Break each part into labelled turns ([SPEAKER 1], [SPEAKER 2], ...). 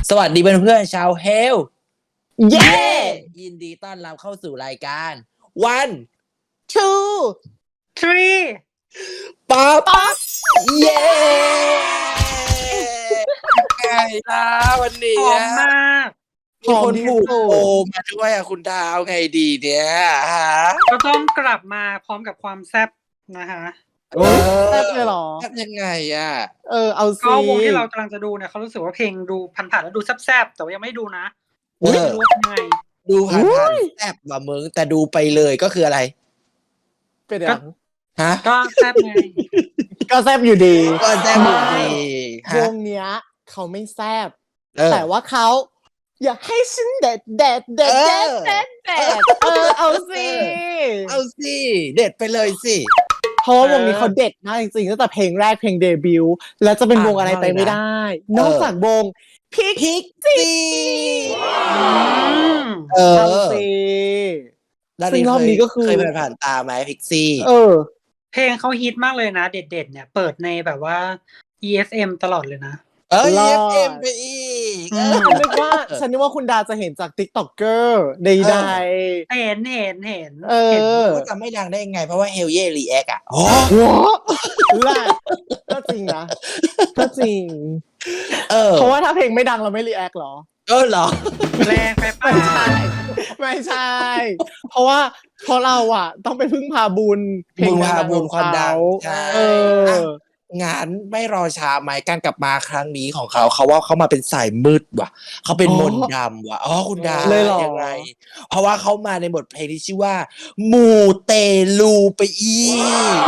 [SPEAKER 1] สวัสดีเพื่อนๆชาวเฮล
[SPEAKER 2] เย้
[SPEAKER 1] ยินดีต้อนรับเข้าสู่รายการone
[SPEAKER 2] two
[SPEAKER 3] three
[SPEAKER 1] ป๊อปเย้ไงล่ะวันนี้
[SPEAKER 3] หอมมาก
[SPEAKER 1] มีคนผูกโอมาด้วยอ่ะคุณดาวไงดีเนี่ยฮะ
[SPEAKER 3] ก็ต้องกลับมาพร้อมกับความแซ่บนะคะ
[SPEAKER 2] แซ่บเลยเหรอ
[SPEAKER 1] แซ่บยังไงอ่ะ
[SPEAKER 2] เอาสิ
[SPEAKER 3] ก็วงที่เรากำลังจะดูเนี่ยเขารู้สึกว่าเพลงดูผ่านๆแล้วดูแซ่บๆแต่ว่ายังไม่ดูนะไม่รู้ว่าเป็นยังไง
[SPEAKER 1] ดูผ่านๆแซ่บว่ะมึงแต่ดูไปเลยก็คืออะไร
[SPEAKER 2] เป็นอย่าง
[SPEAKER 1] ฮะ
[SPEAKER 3] ก็แซ่บไง
[SPEAKER 2] ก็แซ่บอยู่ดี
[SPEAKER 1] ก็แซ่บอยู่ดี
[SPEAKER 2] ว
[SPEAKER 1] ฮะ
[SPEAKER 2] งเนี้ยเขาไม่แซ่บ
[SPEAKER 1] เออ
[SPEAKER 2] แต่ว่าเขาอยากให้ฉันเด็ดเอาสิ
[SPEAKER 1] เอาสิเด็ดไปเลยสิ
[SPEAKER 2] เพราะว่าวงนี้เขาเด็ดมากจริงๆตั้งแต่เพลงแรกเพลงเดบิวต์แล้วจะเป็นวงอะไรไปไม่ได้ นอกจากวงพิกซี่ เอาสิ ซึ่งรอบนี้ก็คือ
[SPEAKER 1] เคยผ่านตาไหมพิกซี่
[SPEAKER 3] เพลงเขาฮิตมากเลยนะเด็ดๆเนี่ยเปิดในแบบว่า EFM ตลอดเลยนะ
[SPEAKER 1] EFM ไปอีก
[SPEAKER 2] ฉันนึกว่าคุณดาจะเห็นจาก TikToker ใด
[SPEAKER 3] เห็น
[SPEAKER 1] ก็จะไม่ดังได้ไงเพราะว่าเฮลเย่รีแอคอ่ะอ๋อ
[SPEAKER 2] ๆหัวแรกก็จริงนะ ก็จริง เพราะว่าถ้าเพลงไม่ดังเราไม่รีแอคหรอ
[SPEAKER 1] เหรอ
[SPEAKER 3] แรงไปป่ะ
[SPEAKER 2] ไม่ใช่ เพราะเราอ่ะ ต้องไปพึ่งพาบุญเพลง
[SPEAKER 1] พาบุญความดัง
[SPEAKER 2] ใช่
[SPEAKER 1] งานไม่รอช้าไหมการกลับมาครั้งนี้ของเขาว่าเขามาเป็นสายมืดว่ะเขาเป็นมนต์ดำว่ะคุณดา
[SPEAKER 2] เลยเหรอ
[SPEAKER 1] ยังไงเพราะว่าเขามาในบทเพลงที่ชื่อว่ามูเตลูไปอีก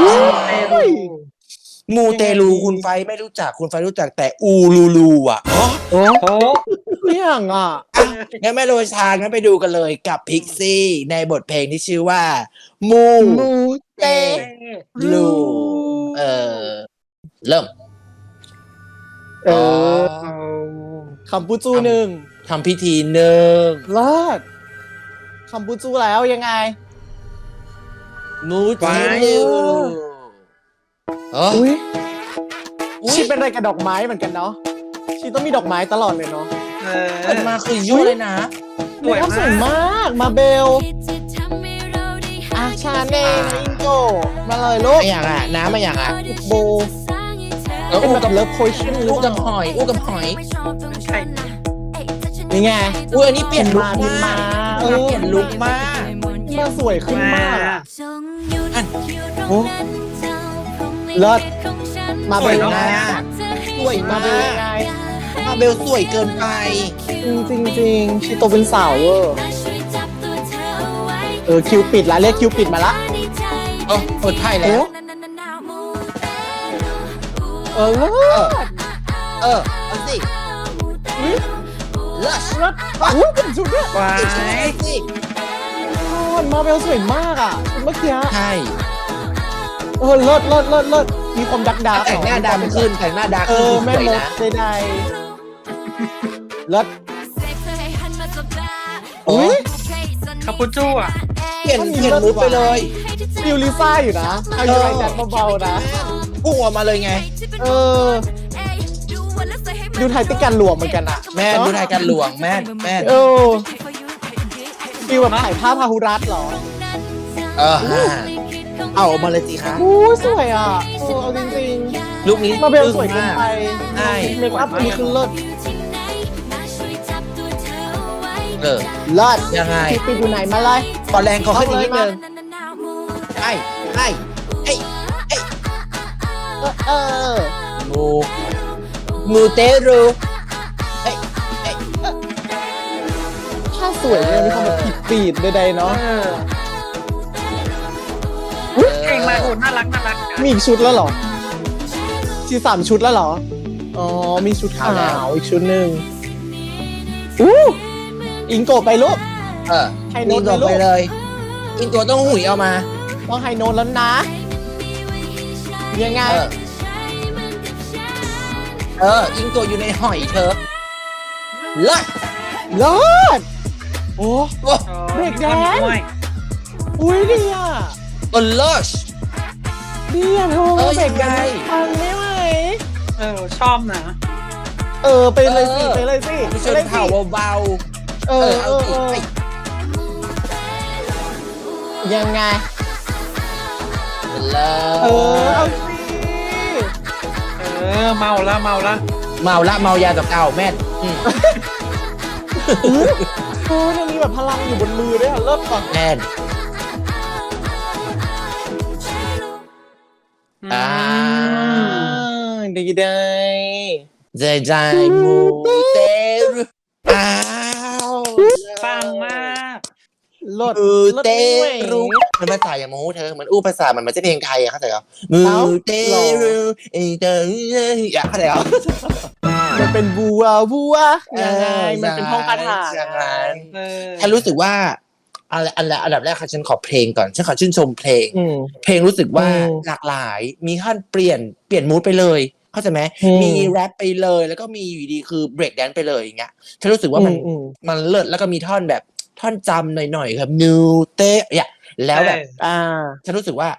[SPEAKER 1] มูเตลูคุณไฟไม่รู้จักคุณไฟรู้จักแต่อูลูลูอ่ะ
[SPEAKER 3] โอ้โห
[SPEAKER 2] เรื่องอ่ะ
[SPEAKER 1] งั้นไม่รอช้างั้นไปดูกันเลยกับพิกซี่ในบทเพลงที่ชื่อว่ามู
[SPEAKER 2] เต
[SPEAKER 1] ลูเริ่ม
[SPEAKER 2] คำปูจูหนึ่ง
[SPEAKER 1] ทำพิธีหนึ่ง
[SPEAKER 2] เลิศคำปูจูแล้วยังไง
[SPEAKER 1] มูเตลู
[SPEAKER 2] อุ้ยชีเป็นอะไรกับดอกไม้เหมือนกันเนาะชีต้องมีดอกไม้ตลอดเลยเนาะ
[SPEAKER 1] เปิดมาคือยุ่ยเลยนะ
[SPEAKER 2] สวยมากมาเบลชาเน่นะอินโกมาเลยลูก
[SPEAKER 1] ไม่อยากอ่ะน้ำไม่อยากอ่ะ
[SPEAKER 2] โบเป็นแบบเลิฟโพชั่น
[SPEAKER 1] อู้กับหอย
[SPEAKER 3] ใช่
[SPEAKER 2] นี่ไง
[SPEAKER 1] อันนี้เปลี่ยนลุค
[SPEAKER 2] มา
[SPEAKER 1] มากเปลี่ยนลุคมาก
[SPEAKER 2] มาสวยขึ้นมากอะ
[SPEAKER 1] โอ้
[SPEAKER 2] เลิศมา
[SPEAKER 1] ส
[SPEAKER 2] เบ
[SPEAKER 1] วย
[SPEAKER 2] ล
[SPEAKER 1] มากสวย
[SPEAKER 2] มา
[SPEAKER 1] มา
[SPEAKER 2] เบล
[SPEAKER 1] ก
[SPEAKER 2] ยังไง
[SPEAKER 1] มาเบลสวยเกินไป
[SPEAKER 2] จริงชีโตเป็นสาวเวอร์คิวปิดละเรียกคิวปิดมาละ
[SPEAKER 1] เปิดไพ่แล้ว
[SPEAKER 2] เลิศ
[SPEAKER 1] เอาสิเลิศ
[SPEAKER 2] เลิศอุ้ยเป็นชุดเนี่ย
[SPEAKER 3] ว้า
[SPEAKER 1] ใช่
[SPEAKER 3] ย
[SPEAKER 1] สิ
[SPEAKER 2] มาเบลสวยมากอ่ะเมื่อกี้
[SPEAKER 1] ใช่
[SPEAKER 2] เลิศมีความดัก
[SPEAKER 1] แต่งหน้าดำขึ้นแต่งหน้าดำ
[SPEAKER 2] แม่
[SPEAKER 1] สวย
[SPEAKER 2] มด
[SPEAKER 1] นะ
[SPEAKER 2] ใดๆเลิศ
[SPEAKER 1] อุ้ย
[SPEAKER 3] คาปูจูอ่ะ
[SPEAKER 1] เปลี่ยนลุคไปเลย
[SPEAKER 2] ฟิลลิซ่าอยู่นะเอาอยู่ไรจัดเบาๆนะ
[SPEAKER 1] พุ่งออกมาเลยไง
[SPEAKER 2] ดูไทยติกันหลวมเหมือนกันอ่ะ
[SPEAKER 1] แม่ดูรายการหลวงแม่
[SPEAKER 2] ฟิลแบบถ่ายภาพพาหุรัตน์เหรอ
[SPEAKER 1] เอาออกมาเลยสิคะ
[SPEAKER 2] สวยอ่ะเอาจริง
[SPEAKER 1] ลุคนี้
[SPEAKER 2] ๆมาเบลสวยเกินไป
[SPEAKER 1] ใช่
[SPEAKER 2] เมคอัพอันนี้คือเลิศ
[SPEAKER 1] เลิศยังไง
[SPEAKER 2] ปิดอยู่ไหนมาเลย
[SPEAKER 1] ตอนแรงขอขึ้นอีกนิดนึงไอ้มูเตรู
[SPEAKER 2] ถ้าสวยเนี่ยมีความแบบปีดๆใดๆเนาะ
[SPEAKER 3] เพลงมาโหน่ารัก
[SPEAKER 2] มีอีกชุดแล้วเหรอที่3 ชุดแล้วเหรอ อ๋อ มีชุดขาวอีกชุดหนึ่งอิงโกะไปลูก ไฮโน้ต
[SPEAKER 1] อิงโกไปเลย อิงโกต้องหุยเอามา
[SPEAKER 2] ต้องไฮโน้ตแล้วนะ ยังไง
[SPEAKER 1] อิงโกอยู่ในหอยเธอเลิศ
[SPEAKER 2] เลิศโอ้
[SPEAKER 3] เบรกแดน
[SPEAKER 2] อุ้ยดีอ่ะ
[SPEAKER 1] เลิศ
[SPEAKER 2] ดีอ่ะเธอ
[SPEAKER 1] เออ
[SPEAKER 2] เบรก
[SPEAKER 1] ยังไง
[SPEAKER 2] ฟังไม่ไหว
[SPEAKER 3] ชอบนะ
[SPEAKER 2] ไปเลยสิไปเลยสิ
[SPEAKER 1] ชนเผ่าเบาๆ
[SPEAKER 2] เออยังไง
[SPEAKER 1] เลิ
[SPEAKER 2] เอาสิ
[SPEAKER 3] เมาละ
[SPEAKER 1] เมายากับเก่าแม่น
[SPEAKER 2] ยังมีแบบพลังอยู่บนมือด้วยเลิศป่ะ
[SPEAKER 1] แม่น
[SPEAKER 2] ดีได้
[SPEAKER 1] ใจมูเตรุอ้าว
[SPEAKER 3] ปังมาก
[SPEAKER 2] เลิศ
[SPEAKER 1] มูเต
[SPEAKER 2] เลิศ
[SPEAKER 1] รุ
[SPEAKER 2] ด้วย
[SPEAKER 1] มันภาษาอย่างมูเธอมันอู้ภาษามันไม่ใช่เพลงไทยอะเข้าใจเหรอมูเตรุอยากเข้าใจเหรอ
[SPEAKER 2] มันเป็นบัวยังไงมันเป็นท่องคาถา
[SPEAKER 1] อย่างนั้น
[SPEAKER 3] ฉั
[SPEAKER 1] ฉันรู้สึกว่าอันดับแรกค่ะฉันขอเพลงก่อนฉันขอชื่นชมเพลง เพลงรู้สึกว่าหลากหลายมีท่อนเปลี่ยนมูดไปเลยเข้าใจไหมมีแรปไปเลยแล้วก็มีอยู่ดีคือเบรกแดนไปเลยอย่างเงี้ยฉันรู้สึกว่ามันเลิศแล้วก็มีท่อนแบบท่อนจำหน่อยๆครับนิวเตะเนี่ยแล้วแบบฉันรู้สึกว่า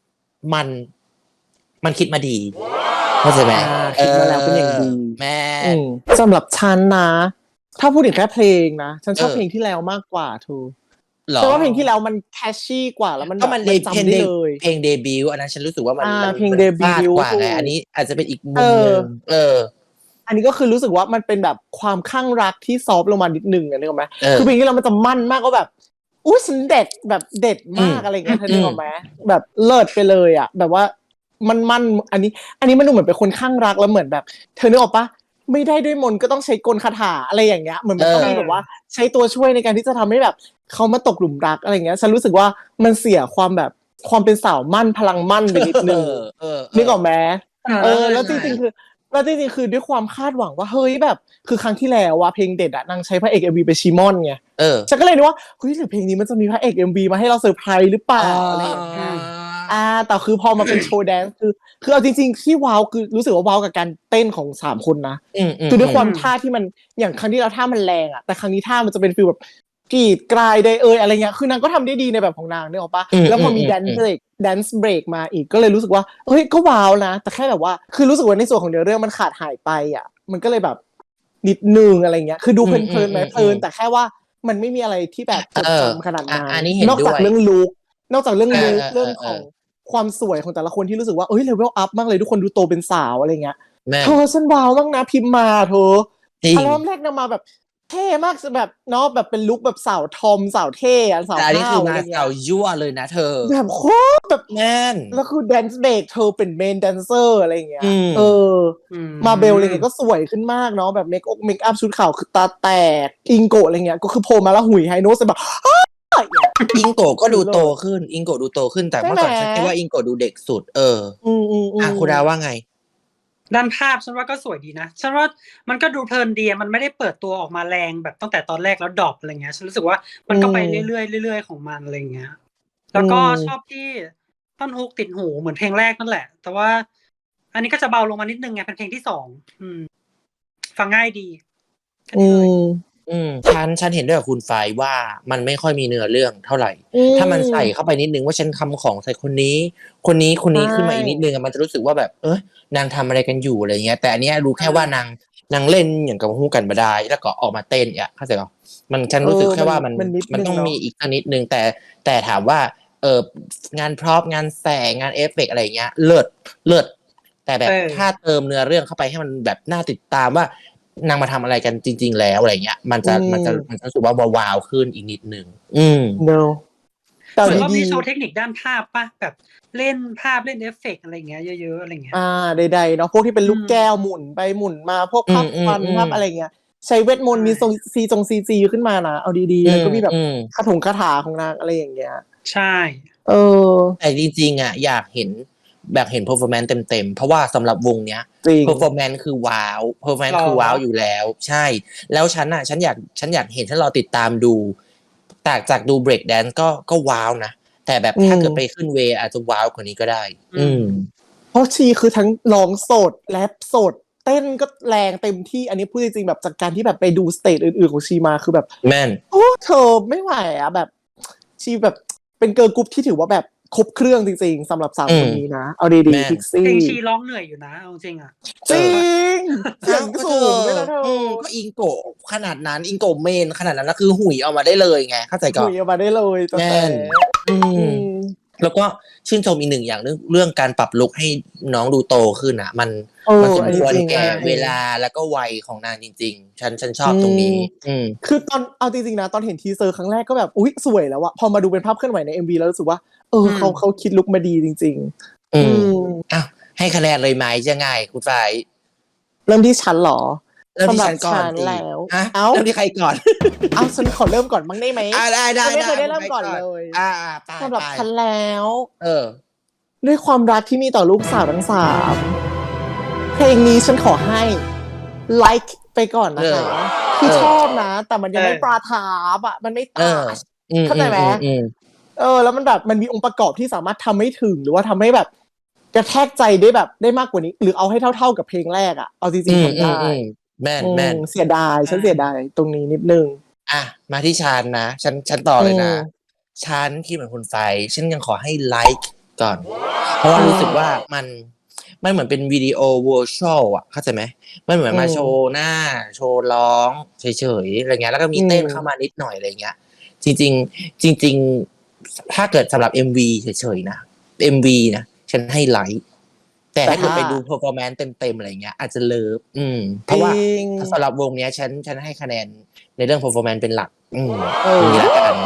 [SPEAKER 1] มันคิดมาดีเข้าใจไหม
[SPEAKER 2] คิดมาแล้วเป็นอย่างดี
[SPEAKER 1] แม่
[SPEAKER 2] สำหรับฉันนะถ้าพูดถึงแค่เพลงนะฉันชอบเพลงที่แล้วมากกว่าทูฉันว่าเพลงที่แล้วมันแคชชี่กว่าแล้วมัน
[SPEAKER 1] ก็มัน
[SPEAKER 2] จำได้เลย
[SPEAKER 1] เพลงเดบิวต์อันนั้นฉันรู้สึกว่ามัน
[SPEAKER 2] เพลงเดบิวต์
[SPEAKER 1] กว่าไงอันนี้อาจจะเป็นอีกมุมนึง
[SPEAKER 2] อันนี้ก็คือรู้สึกว่ามันเป็นแบบความข้างรักที่ซอฟต์ลงมานิดนึงนึกออกไหมคือเพลงที่แล้วมันจะมั่นมากก็แบบอุ้ยฉันเด็ดแบบเด็ดมากอะไรเงี้ยเธอนึกออกไหมแบบเลิศไปเลยอ่ะแบบว่ามันอันนี้มันดูเหมือนเป็นคนข้างรักแล้วเหมือนแบบเธอนึกออกปะไม่ได้ด้วยมนต์ก็ต้องใช้กลคาถาอะไรอย่างเงี้ยเหมือนมันต้องมีแบบว่าใช้ตัวช่วยในการที่จะทำให้แบบเขามาตกหลุมรักอะไรเงี้ยฉันรู้สึกว่ามันเสียความแบบความเป็นสาวมั่นพลังมั่นไปนิดนึงนึกออกไหมแล้วจริงๆคือด้วยความคาดหวังว่าเฮ้ยแบบคือครั้งที่แล้วว่าเพลงเด็ดอะนางใช้พระเอก MV ไปชิมอนไงฉันก็เลยนึกว่าเฮ้ยหรือเพลงนี้มันจะมีพระเอก MV มาให้เราเซอร์ไพรส์หรือเปล่าอะไรอย่างเงี้ยแต่คือพอมาเป็นโชว์แดนซ์คือเอาจริงๆที่ว้าวคือรู้สึกว่าว้าวกับการเต้นของ3คนนะคือด้วยความท่าที่มันอย่างครั้งที่เราท่ามันแรงอะแต่ครั้งนี้ท่ามันจะเป็นฟีลแบบกรีดกรายได้อะไรเงี้ยคือนางก็ทำได้ดีในแบบของนางนึกออกปะแล้วพอมีแดนซ์เบรกมาอีกก็เลยรู้สึกว่าเฮ้ยก็ว้าวนะแต่แค่แบบว่าคือรู้สึกว่าในส่วนของเนื้อเรื่องมันขาดหายไปอ่ะมันก็เลยแบบนิดนึงอะไรเงี้ยคือดูเพลินไหมเพลินแต่แค่ว่ามันไม่มีอะไรที่แบบจดจำขนาดนั้นนอกจากเรื่องลุคนอกจากเรื่องลุคเรื่องของความสวยของแต่ละคนที่รู้สึกว่าเอ้ยเลเวลอัพมากเลยทุกคนดูโตเป็นสาวอะไรเงี้ยเธอฉันว้าวมากนะพิมพ์มาเธออัลบั้มแรกนำมาแบบเท่มากแบบเนาะแบบเป็นลุคแบบสาวทอมสาวเท่สาว
[SPEAKER 1] อันนี้คือมา
[SPEAKER 2] อะไรเงี้
[SPEAKER 1] สาวย ยั่วเลยนะเธอ
[SPEAKER 2] แบบโคตรแบบ
[SPEAKER 1] แน่น
[SPEAKER 2] แล้วคือแดนซ์เบรกเธอเป็นเมนแดนเซอร์อะไรอย่างเงี้ยมาเบลอะไรเงี้ยก็สวยขึ้นมากเนาะแบบเมคอัพชุดขาวคือตาแตกอิงโกะอะไรเงี้ยก็คือโผล่มาแล้วหุยไฮโน้ตแบบ
[SPEAKER 1] อิงโกะก็ดูโตขึ้นอิงโกะดูโตขึ้นแต่เมื่อก่อนฉันคิดว่าอิงโกะดูเด็กสุดคุณดาว่าไง
[SPEAKER 3] ด้านภาพฉันว่าก็สวยดีนะฉันว่ามันก็ดูเพลินดีมันไม่ได้เปิดตัวออกมาแรงแบบตั้งแต่ตอนแรกแล้วดรอปอะไรเงี้ยฉันรู้สึกว่ามันก็ไปเรื่อยๆของมันอะไรเงี้ยแล้วก็ชอบที่ท่อนฮุกติดหูเหมือนเพลงแรกนั่นแหละแต่ว่าอันนี้ก็จะเบาลงมานิดนึงไงเป็นเพลงที่2ฟังง่ายดี
[SPEAKER 1] ฉันเห็นด้วยกับคุณฝ่ายว่ามันไม่ค่อยมีเนื้อเรื่องเท่าไหร่ถ้ามันใส่เข้าไปนิดนึงว่าฉันทำของใส่คนนี้ขึ้นมาอีกนิดนึงมันจะรู้สึกว่าแบบนางทำอะไรกันอยู่อะไรเงี้ยแต่อันนี้รู้แค่ว่านางเล่นอย่างกับฮู้กันมาได้แล้วก็ออกมาเต้นเข้าใจป่ะฉันรู้สึกแค่ว่ามันต้องมีอีกนิดนึงแต่ถามว่างานพร็อพงานแสงงานเอฟเฟกต์อะไรเงี้ยเลิศแต่แบบถ้าเติมเนื้อเรื่องเข้าไปให้มันแบบน่าติดตามว่านางมาทำอะไรกันจริงๆแล้วอะไรเงี้ยมันจะรู้สึกว่าว้าวขึ้นอีกนิดนึง
[SPEAKER 2] no
[SPEAKER 3] แต่ว่ามีโชว์เทคนิคด้านภาพป่ะแบบเล่นภาพเล่นเอฟเฟกต์อะไรเงี้ยเยอะๆอะไรเงี้ย
[SPEAKER 2] ใดๆเนาะพวกที่เป็นลูกแก้วหมุนไปหมุนมาพวกภาพควันภาพอะไรเงี้ยใช้เวทมนต์มีซีจีขึ้นมานะเอาดีๆแล้วก็มีแบบคาถาของนางอะไรอย่างเงี้ย
[SPEAKER 3] ใช่
[SPEAKER 1] แต่จริงๆอยากเห็นแบบเห็น performance เต็มๆเพราะว่าสำหรับวงเนี้ย performance คือว้าว performance คือว้าวอยู่แล้วใช่แล้วฉันอยากเห็นฉันรอติดตามดูจากดู break dance ก็ว้าวนะแต่แบบถ้าเกิดไปขึ้นเวอาจจะว้าวกว่านี้ก็ได้
[SPEAKER 2] เพราะชีคือทั้งร้องสดแรปสดเต้นก็แรงเต็มที่อันนี้พูดจริงๆแบบจากการที่แบบไปดูสเตจอื่นๆของชีมาคือแบบ
[SPEAKER 1] แม่น
[SPEAKER 2] โอ้เธอไม่ไหวแบบชีแบบเป็นเกิร์ลกรุ๊ปที่ถือว่าแบบครบเครื่องจริงๆสำหรับ3คนนี้นะเอาดี
[SPEAKER 1] แม่
[SPEAKER 2] ๆพิกซี่
[SPEAKER 3] เพลงชีร้องเหนื่อยอยู่นะเอาจริงอ่ะ
[SPEAKER 2] จริงเสียงสูงด้วยนะเธอ
[SPEAKER 1] ก็อิงโกะขนาดนั้นอิงโกะเมนขนาดนั้นแล้วคือหุยเอามาได้เลยไงเข้าใจก่อ
[SPEAKER 2] คุ
[SPEAKER 1] น
[SPEAKER 2] ยออกมาได้เลยแต่
[SPEAKER 1] แน่น อื
[SPEAKER 2] อื
[SPEAKER 1] ม
[SPEAKER 2] ม
[SPEAKER 1] แล้วก็ชื่นชมอีกหนึ่งอย่างเรื่องการปรับลุคให้น้องดูโตขึ้นอ่ะ มันสมควรแก่เวลาแล้วก็วัยของนางจริงๆ ฉันชอบตรงนี้
[SPEAKER 2] คือตอนเอาจริงๆนะตอนเห็นทีเซอร์ครั้งแรกก็แบบอุ๊ยสวยแล้วอะพอมาดูเป็นภาพเคลื่อนไหวใน MV แล้วรู้สึกว่าเขาคิดลุคมาดีจริงๆ
[SPEAKER 1] อืมอ้าวให้คะแนนเลยไหมจะง่ายคุณฝ่าย
[SPEAKER 2] เริ่มที่ฉันเหรอ
[SPEAKER 1] เริ่มที่ฉันก่อน
[SPEAKER 2] สำหรับฉันแล้ว
[SPEAKER 1] ฮะ
[SPEAKER 2] เอ้า
[SPEAKER 1] เริ่มที่ใครก่อน
[SPEAKER 2] เอาฉันขอเริ่มก่อนบ้างได้ไหม
[SPEAKER 1] ได้
[SPEAKER 2] ไม่เคยได้เริ่มก่อนเลย
[SPEAKER 1] ไป
[SPEAKER 2] สำหรับฉันแล้ว ด้วยความรักที่มีต่อลูกสาวทั้ง3เพลงนี้ฉันขอให้ไลค์ไปก่อนนะคะคือชอบนะ แต่มันยังไม่ปราทาบอ่ะมันไม่ตาชเข้าใจไหมแล้วมันแบบมันมีองค์ประกอบที่สามารถทำให้ถึงหรือว่าทำให้แบบกระแทกใจได้แบบได้มากกว่านี้ หรือเอาให้เท่าๆกับเพลงแรกอ่ะเอาจริงๆทำได้
[SPEAKER 1] แม่น
[SPEAKER 2] เสียดายฉันเสียดายตรงนี้นิดนึง
[SPEAKER 1] อ่ะมาที่ฉันนะฉันต่อเลยนะฉันคิดเหมือนคุณไฟฉันยังขอให้ไลค์ก่อน เพราะว่ารู้สึกว่ามันเหมือนเป็นวิดีโอวอร์ชวลอ่ะเข้าใจไหมมันเหมือนมาโชว์หน้าโชว์ร้องเฉยๆอะไรเงี้ยแล้วก็มีเต้นเข้ามานิดหน่อยอะไรเงี้ยจริงถ้าเกิดสำหรับ MV เฉยๆนะ MV นะฉันให้ไลค์แต่ถ้าเกิดไปดู performance เต็มๆอะไรเงี้ยอาจจะเลิฟเพราะว่าสำหรับวงเนี้ยฉันให้คะแนนในเรื่อง performance เป็นหลักนี่ละกัน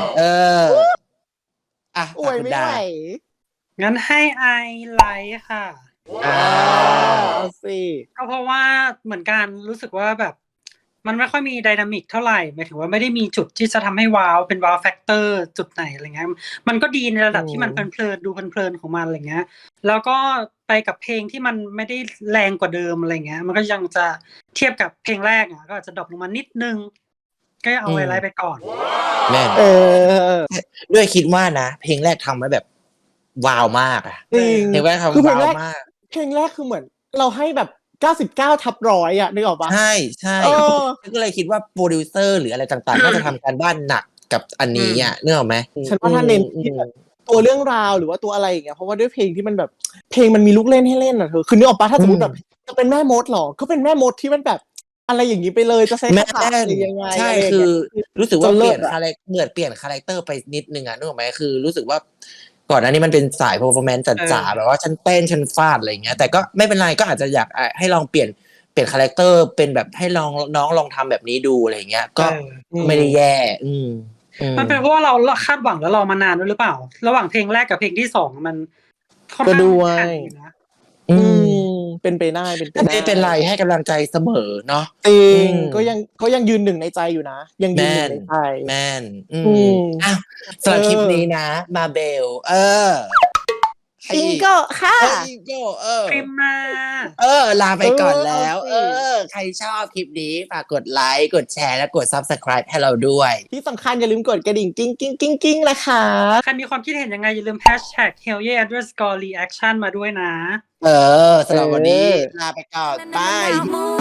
[SPEAKER 1] อ่ะ
[SPEAKER 2] อวยไม่ไหว
[SPEAKER 3] งั้นให้ไอไลท์ค่ะ
[SPEAKER 2] เอาสิ
[SPEAKER 3] ก็เพราะว่าเหมือนกันรู้สึกว่าแบบมันไม่ค่อยมีไดนามิกเท่าไหร่หมายถึงว่าไม่ได้มีจุดที่จะทำให้ว้าวเป็นว้าวแฟกเตอร์จุดไหนอะไรเงี้ยมันก็ดีในระดับที่มันเพลินๆดูเพลินๆของมันอะไรเงี้ยแล้วก็ไปกับเพลงที่มันไม่ได้แรงกว่าเดิมอะไรเงี้ยมันก็ยังจะเทียบกับเพลงแรกอ่ะก็อาจจะดรอปลงมานิดนึงก็เอาไว้ไลท์ไปก่อน
[SPEAKER 1] แม่ด้วยคิดว่านะเพลงแรกทำไว้แบบว้าวมากอ่ะ
[SPEAKER 2] จริง
[SPEAKER 1] เพลงแรกทำว้าวมาก
[SPEAKER 2] เพลงแรกคือเหมือนเราให้แบบ99/100อ่ะนึกออกปะ
[SPEAKER 1] ใช่ก็เลยคิดว่าโปรดิวเซอร์หรืออะไรต่างๆน่าจะทำการบ้านหนักกับอันนี้อ่ะนึกออกไหม
[SPEAKER 2] ฉันว่าถ้าเน้นที่แบบตัวเรื่องราวหรือว่าตัวอะไรอย่างเงี้ยเพราะว่าด้วยเพลงที่มันแบบเพลงมันมีลูกเล่นให้เล่นอ่ะเธอคือนึกออกปะถ้าสมมติแบบจะเป็นแม่มดหรอก็เป็นแม่มดที่มันแบบอะไรอย่างนี้ไปเลยจะใช้คาถาอะไรยังไง
[SPEAKER 1] ใช่คือรู้สึกว่าเปลี่ยนคาแรคเหมือนเปลี่ยนคาแรคเตอร์ไปนิดนึงอ่ะนึกออกไหมคือรู้สึกว่าก่อนหน้านี้มันเป็นสาย performance จ๋าๆแบบว่าฉันเต้นฉันฟาดอะไรเงี้ยแต่ก็ไม่เป็นไรก็อาจจะอยากให้ลองเปลี่ยนคาแรคเตอร์เป็นแบบให้น้องลองทำแบบนี้ดูอะไรเงี้ยก็ไม่ได้แย่
[SPEAKER 3] มันเป็นเพราะว่าเราคาดหวังแล้วรอมานานด้วยหรือเปล่าระหว่างเพลงแรกกับเพลงที่2มัน
[SPEAKER 2] ก็ด้วยเป็นไปได้
[SPEAKER 1] ไม่เป็นไรให้กำลังใจเสมอเนาะ
[SPEAKER 2] ก็ยังยืนหนึ่งในใจอยู่นะยังยืนหนึ่งในใจ
[SPEAKER 1] แม่นสำหรับคลิปนี้นะมาเบล
[SPEAKER 2] อิงโก้ค่ะ
[SPEAKER 1] อิงโก้
[SPEAKER 3] พิมมา
[SPEAKER 1] ลาไปก่อนแล้วใครชอบคลิปนี้ฝากกดไลค์กดแชร์และกด Subscribe ให้เราด้วย
[SPEAKER 2] ที่สำคัญอย่าลืมกดกระดิ่งกิ้งนะคะ
[SPEAKER 3] ใครมีความคิดเห็นยังไงอย่าลืม #hellye_reaction มาด้วยนะ
[SPEAKER 1] สำหรับวันนี้ลาไปก่อนบาย